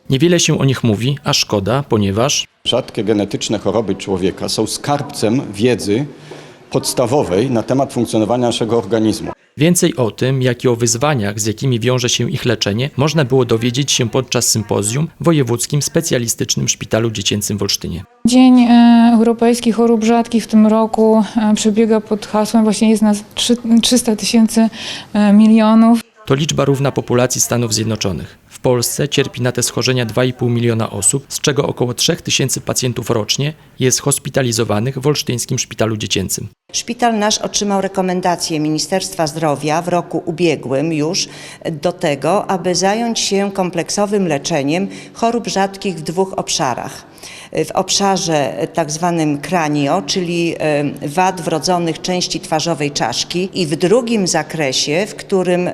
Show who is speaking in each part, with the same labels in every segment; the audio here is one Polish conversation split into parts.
Speaker 1: Niewiele się o nich mówi, a szkoda, ponieważ
Speaker 2: Rzadkie genetyczne choroby człowieka są skarbcem wiedzy podstawowej na temat funkcjonowania naszego organizmu.
Speaker 1: więcej o tym, jak i o wyzwaniach, z jakimi wiąże się ich leczenie, można było dowiedzieć się podczas sympozjum w Wojewódzkim Specjalistycznym Szpitalu Dziecięcym w Olsztynie.
Speaker 3: Dzień Europejski Chorób Rzadkich w tym roku przebiega pod hasłem, właśnie jest nas 300 000 milionów.
Speaker 1: To liczba równa populacji Stanów Zjednoczonych. W Polsce cierpi na te schorzenia 2,5 miliona osób, z czego około 3000 pacjentów rocznie jest hospitalizowanych w Olsztyńskim Szpitalu Dziecięcym.
Speaker 4: Szpital nasz otrzymał rekomendację Ministerstwa Zdrowia w roku ubiegłym już do tego, aby zająć się kompleksowym leczeniem chorób rzadkich w dwóch obszarach. W obszarze tak zwanym kranio, czyli wad wrodzonych części twarzowej czaszki, i w drugim zakresie, w którym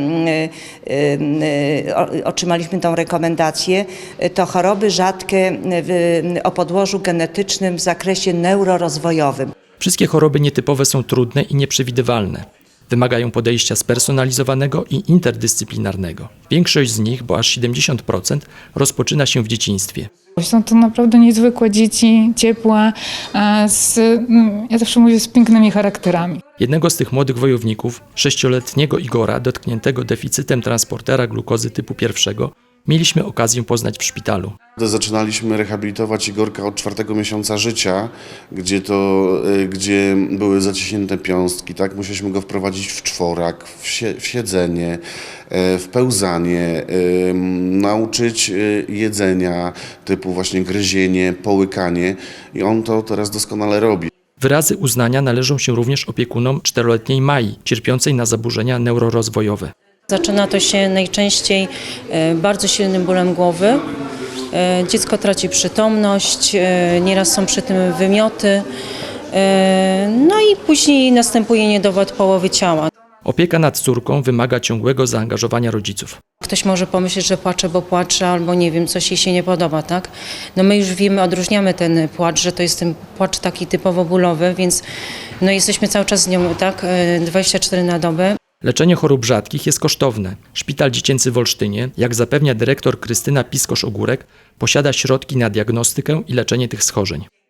Speaker 4: otrzymaliśmy tą rekomendację, to choroby rzadkie o podłożu genetycznym w zakresie neurorozwojowym.
Speaker 1: Wszystkie choroby nietypowe są trudne i nieprzewidywalne. Wymagają podejścia spersonalizowanego i interdyscyplinarnego. Większość z nich, bo aż 70%, rozpoczyna się w dzieciństwie.
Speaker 3: Są to naprawdę niezwykłe dzieci, ciepłe, ja zawsze mówię, z pięknymi charakterami.
Speaker 1: Jednego z tych młodych wojowników, 6-letniego Igora, dotkniętego deficytem transportera glukozy typu 1, mieliśmy okazję poznać w szpitalu.
Speaker 5: Zaczynaliśmy rehabilitować Igorka od 4. miesiąca życia, gdzie były zaciśnięte piąstki. Tak? Musieliśmy go wprowadzić w czworak, w siedzenie, w pełzanie, nauczyć jedzenia typu właśnie gryzienie, połykanie, i on to teraz doskonale robi.
Speaker 1: Wyrazy uznania należą się również opiekunom 4-letniej Mai, cierpiącej na zaburzenia neurorozwojowe.
Speaker 6: Zaczyna to się najczęściej bardzo silnym bólem głowy. Dziecko traci przytomność, nieraz są przy tym wymioty, no i później następuje niedowład połowy ciała.
Speaker 1: Opieka nad córką wymaga ciągłego zaangażowania rodziców.
Speaker 6: Ktoś może pomyśleć, że płacze, bo płacze, albo nie wiem, coś jej się nie podoba, tak? No my już wiemy, odróżniamy ten płacz, że to jest ten płacz taki typowo bólowy, więc no jesteśmy cały czas z nią, tak, 24 na dobę.
Speaker 1: Leczenie chorób rzadkich jest kosztowne. Szpital Dziecięcy w Olsztynie, jak zapewnia dyrektor Krystyna Piskosz-Ogórek, posiada środki na diagnostykę i leczenie tych schorzeń.